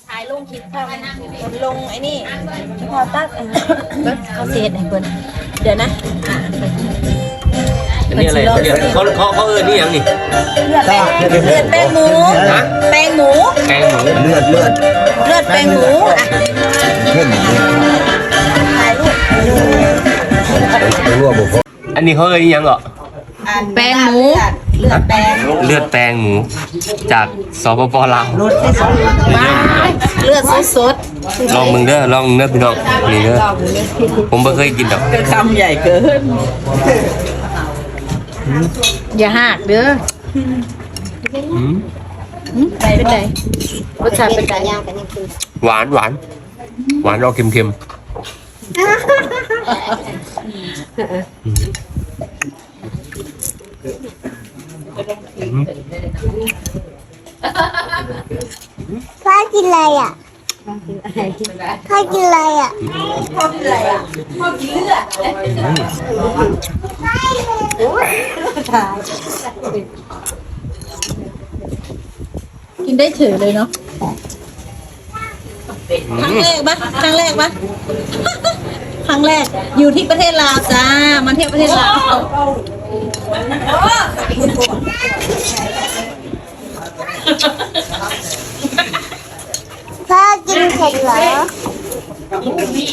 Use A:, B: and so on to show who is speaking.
A: ถ่ายลงคลิปค่ะมันลงไอ้นี่พอตักเขาเสียดให้เพิ่นเดี๋ยวนะ
B: อันนี้อะไรเขานี่ยังนี่
A: เลือดแป้งหมูแป้งหมู
C: เลือด
A: แป้งหมูอ่ะ
C: เข้ม
A: ถ่ายรูป
C: รั่วบุก
B: อันนี้เขายังเหรอ
A: แป้งหมูเลือดแป้ง
B: หมูจากสปปลาว
A: เลือดสด
B: ลองมึงเด้อพี่น้องนี่เด้อผมไม่เคยกินดอก
D: คำใหญ่เกิน
A: อย่าหักเด้อเป็นไงรสชาติเป็นไง
B: หวานออกเค็ม
E: พ่อกินอะไรอ่ะพ่อกินอะไรอ่ะ
A: กินได้เฉยเลยเนาะครั้งแรกปะครั้งแรกอยู่ที่ประเทศลาวจ้ามาเที่ยวประเทศลาว
E: พ่อกินเผ็ดเหรอ